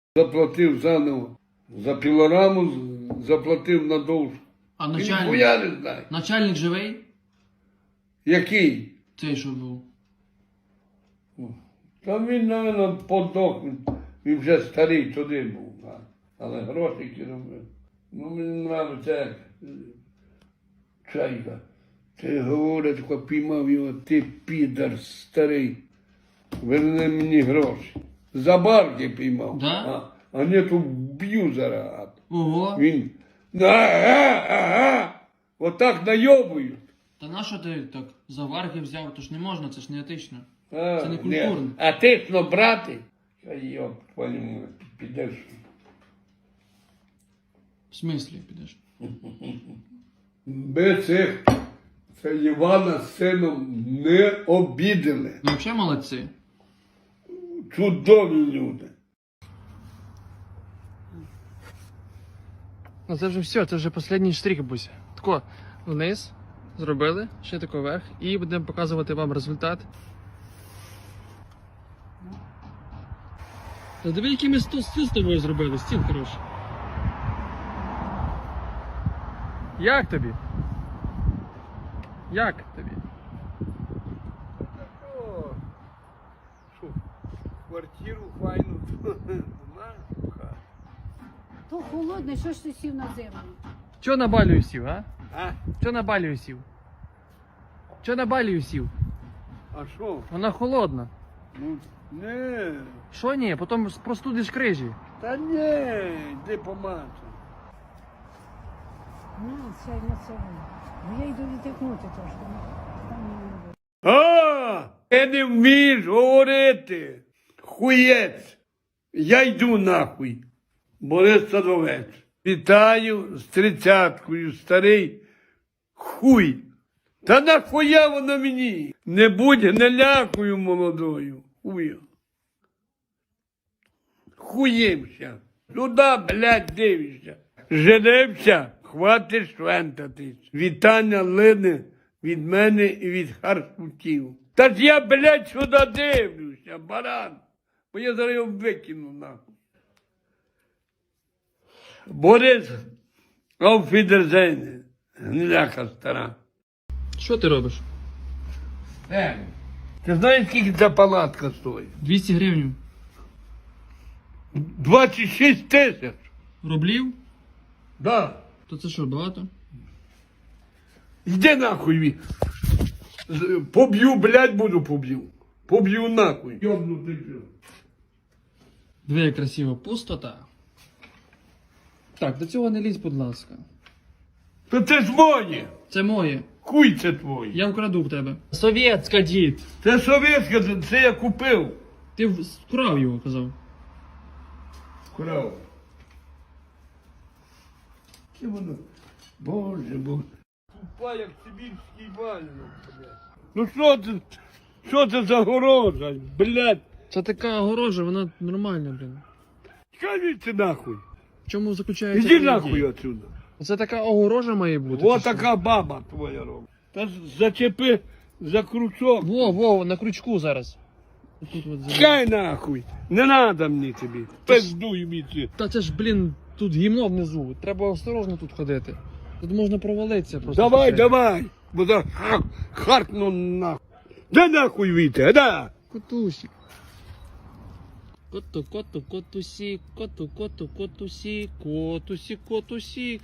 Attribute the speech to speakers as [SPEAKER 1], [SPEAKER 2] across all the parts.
[SPEAKER 1] Заплатив заново. За пілораму заплатив надовж.
[SPEAKER 2] А
[SPEAKER 1] Він
[SPEAKER 2] начальник?
[SPEAKER 1] хуя не знає.
[SPEAKER 2] Начальник живий?
[SPEAKER 1] Який?
[SPEAKER 2] Цей, що був.
[SPEAKER 1] Та він, мабуть, подох. Він вже старий туди був. Але грошики робив. Ну, мені нравиться, як Чайка. Ти говорить, тако піймав його, ти підар старий. Верни мені гроші. За барки піймав.
[SPEAKER 2] Да?
[SPEAKER 1] А не то б'ю зараз.
[SPEAKER 2] Ого.
[SPEAKER 1] Він, ага. Отак найобують.
[SPEAKER 2] Та нащо ти так за варги взяв? То ж не можна, це ж не етично.
[SPEAKER 1] А,
[SPEAKER 2] Це не культурно.
[SPEAKER 1] ні. А тисно брати? Йоп, твою, підеш.
[SPEAKER 2] В смислі підеш?
[SPEAKER 1] Ми цих, це Івана з сином не обідали.
[SPEAKER 2] Ну, взагалі молодці.
[SPEAKER 1] Чудові люди.
[SPEAKER 2] Ну це вже все, це вже останній штрих, Буся. Тако, вниз зробили, ще тако вверх, і будемо показувати вам результат. Та диви, який ми стіл з тобою зробили, стіл хороший. Як тобі? Як тобі?
[SPEAKER 1] О, що, квартиру файну знаєш?
[SPEAKER 3] То холодне, що ж ти сів на землю?
[SPEAKER 2] Чого на балію сів, а?
[SPEAKER 1] А?
[SPEAKER 2] Чого на балію сів? Чого на балію сів?
[SPEAKER 1] А що?
[SPEAKER 2] Вона холодна.
[SPEAKER 1] Ну, не.
[SPEAKER 2] Що ні? Потім простудиш крижі.
[SPEAKER 1] Та не, йди помацай.
[SPEAKER 3] На, сядь на цьому. Ну я йду відтикнути трошки. Там не буде.
[SPEAKER 1] А, ти не вмієш говорити. Хуєць. Я йду нахуй. Борис Садовець. Вітаю з 30-кою, старий хуй. Та нахуя воно мені? Не будь гнилякою молодою. Хуя. Хуємся. Сюди, блядь, дивишся. Женився, хватить швентатись. Вітання лине від мене і від харкутів. Та ж я, блядь, сюди дивлюся, баран. Бо я зараз його викину нахуй. Борис, ауфідерзейне, гниляка стара.
[SPEAKER 2] Що ти робиш?
[SPEAKER 1] Ти знаєш, скільки ця палатка стоїть?
[SPEAKER 2] 200 гривень.
[SPEAKER 1] 26 тисяч.
[SPEAKER 2] Рублів?
[SPEAKER 1] Да.
[SPEAKER 2] То це що, багато?
[SPEAKER 1] Йди нахуй. Поб'ю, блядь, буду поб'ю. Поб'ю нахуй. Йобнутий пів.
[SPEAKER 2] Диви, як красиво. Пустота. Так, до цього не лізь, будь ласка.
[SPEAKER 1] Та це ж моє.
[SPEAKER 2] Це моє.
[SPEAKER 1] Хуй це твоє.
[SPEAKER 2] Я вкраду в тебе. Совєтська, дід.
[SPEAKER 1] Це совєтське, це я купив.
[SPEAKER 2] Ти вкрав його, казав.
[SPEAKER 1] Крав. Це воно. Боже, боже. Тупа, як сибірський вальник, блядь. Ну що це за горожа, блядь?
[SPEAKER 2] Це така огорожа, вона нормальна, блін.
[SPEAKER 1] Скажіть нахуй.
[SPEAKER 2] В чому заключається?
[SPEAKER 1] Іди
[SPEAKER 2] ідея?
[SPEAKER 1] нахуй отсюда.
[SPEAKER 2] Це така огорожа має бути.
[SPEAKER 1] О,
[SPEAKER 2] чи що?
[SPEAKER 1] така баба твоя робить. Та зачепи за крючок.
[SPEAKER 2] Во, на крючку зараз. Тут от зараз.
[SPEAKER 1] Чекай нахуй. Не надо мені тобі. Пиздуй мені.
[SPEAKER 2] Та це ж, блін, тут гімно внизу. Треба осторожно тут ходити. Тут можна провалитися просто.
[SPEAKER 1] Давай, давай. Бо за харкну нахуй. Да нахуй віте, да.
[SPEAKER 2] Котусик. Котусик, котусик, котусик.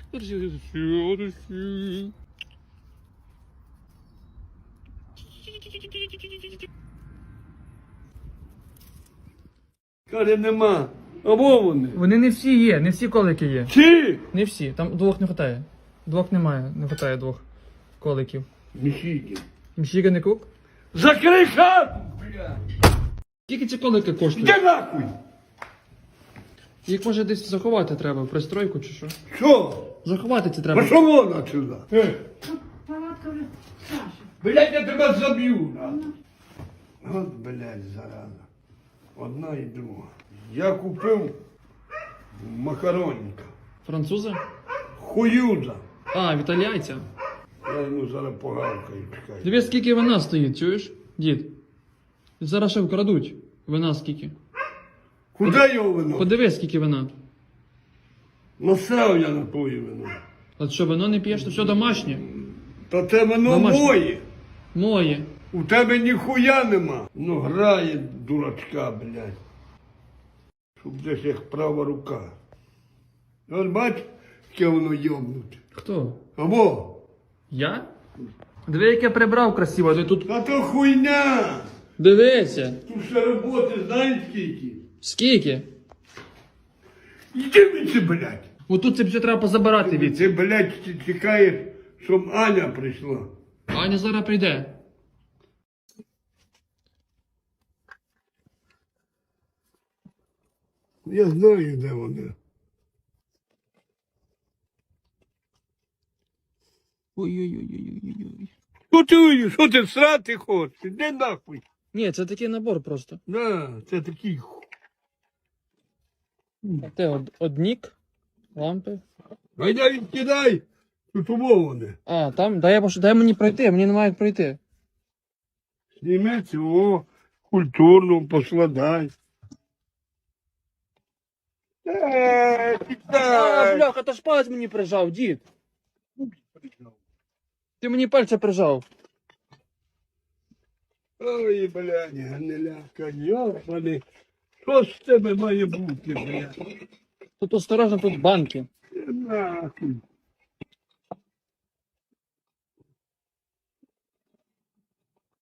[SPEAKER 1] Каже, нема. Або вони.
[SPEAKER 2] Вони не всі є, не всі колики є.
[SPEAKER 1] Чи?
[SPEAKER 2] Не всі, там двох не вистачає. Двох немає, не вистачає двох коликів.
[SPEAKER 1] Міхіки.
[SPEAKER 2] Міщіга не кук?
[SPEAKER 1] Закрий хату, блядь.
[SPEAKER 2] Скільки ці колики коштують?
[SPEAKER 1] Іди нахуй.
[SPEAKER 2] Їх може десь заховати треба, в пристройку чи що?
[SPEAKER 1] Що?
[SPEAKER 2] Заховати це треба.
[SPEAKER 1] Пошов вон отсюда.
[SPEAKER 3] Палатка вже Саша.
[SPEAKER 1] Блядь, я тебе заб'ю. От, блядь, зараза. Одна і друга. Я купив макаронника.
[SPEAKER 2] Французи?
[SPEAKER 1] Хуюза.
[SPEAKER 2] А, від італійця.
[SPEAKER 1] Я йому зараз погавкаю, чекай.
[SPEAKER 2] Дивись, скільки вина стоїть, чуєш, дід? Зараз ще вкрадуть. Вина скільки?
[SPEAKER 1] Куди його вино?
[SPEAKER 2] Подивись, скільки вина.
[SPEAKER 1] Насрав я на твоє вино.
[SPEAKER 2] От що, вино не п'єш, то все домашнє.
[SPEAKER 1] Та це вино
[SPEAKER 2] Домашнє.
[SPEAKER 1] моє.
[SPEAKER 2] Моє.
[SPEAKER 1] У тебе ніхуя нема. Ну грає дурачка, блядь. Щоб десь як права рука. От бач, яке воно йобнуте.
[SPEAKER 2] Хто?
[SPEAKER 1] Або?
[SPEAKER 2] Я? Диви, як я прибрав красиво, ти тут.
[SPEAKER 1] Та то хуйня!
[SPEAKER 2] Дивися.
[SPEAKER 1] Тут ще роботи знаєш скільки?
[SPEAKER 2] Скільки?
[SPEAKER 1] Іди від це, блядь.
[SPEAKER 2] Отут це все треба позабирати від.
[SPEAKER 1] Ти, блядь, чекаєш, щоб Аня прийшла.
[SPEAKER 2] Аня зараз прийде.
[SPEAKER 1] Я знаю, де вона.
[SPEAKER 2] Ой-ой-ой-ой-ой-ой.
[SPEAKER 1] Що ти срати хочеш? Іди нахуй.
[SPEAKER 2] Ні, це такий набор просто.
[SPEAKER 1] Да, це такий.
[SPEAKER 2] Те однік, лампи.
[SPEAKER 1] Гайда відкидай. Тут умоване.
[SPEAKER 2] А, там, дай мені пройти, мені немає як пройти.
[SPEAKER 1] Зніми цього культурно поскладай.
[SPEAKER 2] А,
[SPEAKER 1] Кидай.
[SPEAKER 2] бляха, то ж палець мені прижав, дід. Ти мені пальця прижав.
[SPEAKER 1] Ой, блядь, гниляка, йобаний. Що з тебе має бути, блядь?
[SPEAKER 2] Тут осторожно, тут банки.
[SPEAKER 1] Нахуй.